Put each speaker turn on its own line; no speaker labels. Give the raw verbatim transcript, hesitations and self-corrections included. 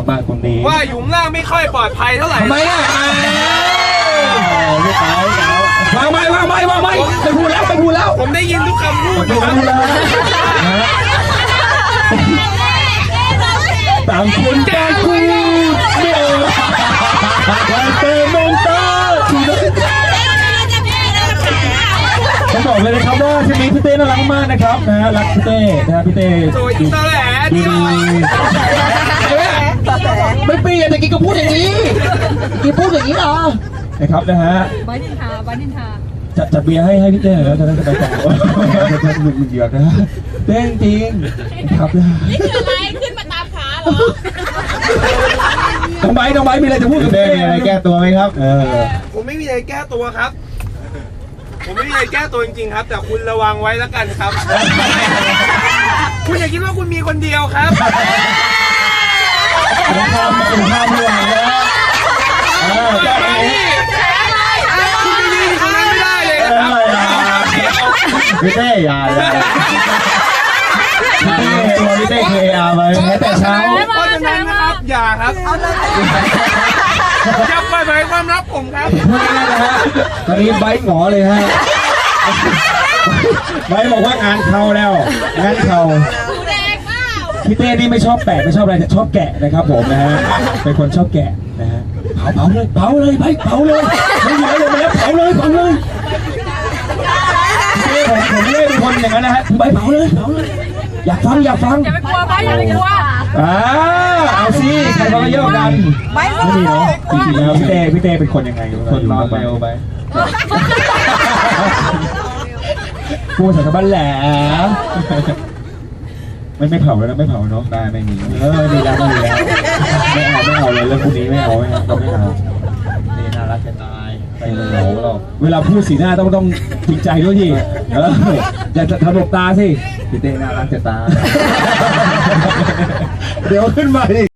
มากคนนี้
ว่าอยู่ข้างล่างไม่ค่อยปลอดภัยเท่าไหร่
ทำไมอ่ะไม่เต๋าวางไม้วางไม้วางไม้ไปพูดแล้วไปพูดแล้ว
ผมได้ยินทุกคำพูด
ไปพูดแล้วต่างคนต่างคุยเดี๋ยวเติมน้ำตาผมบอกเลยนะครับว่าทีนี้พี่เต้น่ารักมากนะครับนะรักพี่เต้นะพี่เต้
โดยตอแหล
ดี
ที่
ไม่เปลี่ยนแต่กี้ก็พูดอย่างนี้กี้พูดอย่างนี้เหรอนะครับนะฮะ
บ้านนินทาบ้านนินทา
จัดจัดเบียร์ให้ให้พี่เต้แล้วจะได้ไปต่อจะจะหยุดหยุดนะเต้จริงนะครับนะ
นี่คืออะไรขึ้นมาตามขาเหรอ
น้องไบน้องไบมีอะไรจะพูดกับเต้มีอะไรแก้ตัวไหมครับเออ
ผมไม่มีอะไรแก้ตัวครับ ผมไม่มีอะไรแก้ตัวจริงๆครับ แต่คุณระวังไว้แล้วกันครับ คุณอย่าคิดว่าคุณมีคนเดียวครับ
ผมทำผมทำด้วยนะเออ
อย่ามาที่คุณไปยืนอยู่ตรงนั้นไม่ได้เลยนะครับ
พี่เต้อย่าอย่าตัวพี่เต้เคยอามาแม้แต่เช้า
เพราะฉะนั้นนะครับ อย่าครับอย่าเปิดเผยความลับผมครับ
ตอนนี้ไบค์หงอเลยฮะไบค์บอกว่างานเข้าแล้วงานเข้า
แดงเปล่า
พี่เต้นี่ไม่ชอบแปะไม่ชอบอะไรแต่ชอบแกะนะครับผมนะฮะเป็นคนชอบแกะนะฮะเผาเผาเลยเผาเลยไบค์เผาเลยไม่เหลือเลยแล้วเผาเลยเผาเลยผมผมไม่ได้เป็นคนอย่างนั้นนะฮะไบค์เผาเลยเผาเลยอยากฟังอยากฟัง
อย่าไปกลัวบ้านอย่าไปกลัว
อ่าเอาสิใครเขาก็เยอะกันไม่มีเนาะจริงๆแล้วพี่เต้พี่เต้เป็นคนยังไงคนนอนเร็วไปพูดสารบัญแหลมไม่ไม่เผาแล้วนะไม่เผาเนาะได้ไม่มีเออไม่มีแล้วไม่มีแล้วไม่เอาไม่เอาเลยเรื่องพวกนี้ไม่เอาไม่เอาเราไม่เอานี่น่ารักจะตายไปเหงาเราเวลาพูดสีหน้าต้องต้องจริงใจด้วยดิเอออย่าทำหลบตาสิพี่เต้น่ารักจะตายเดี๋ยวขึ้นมาดิ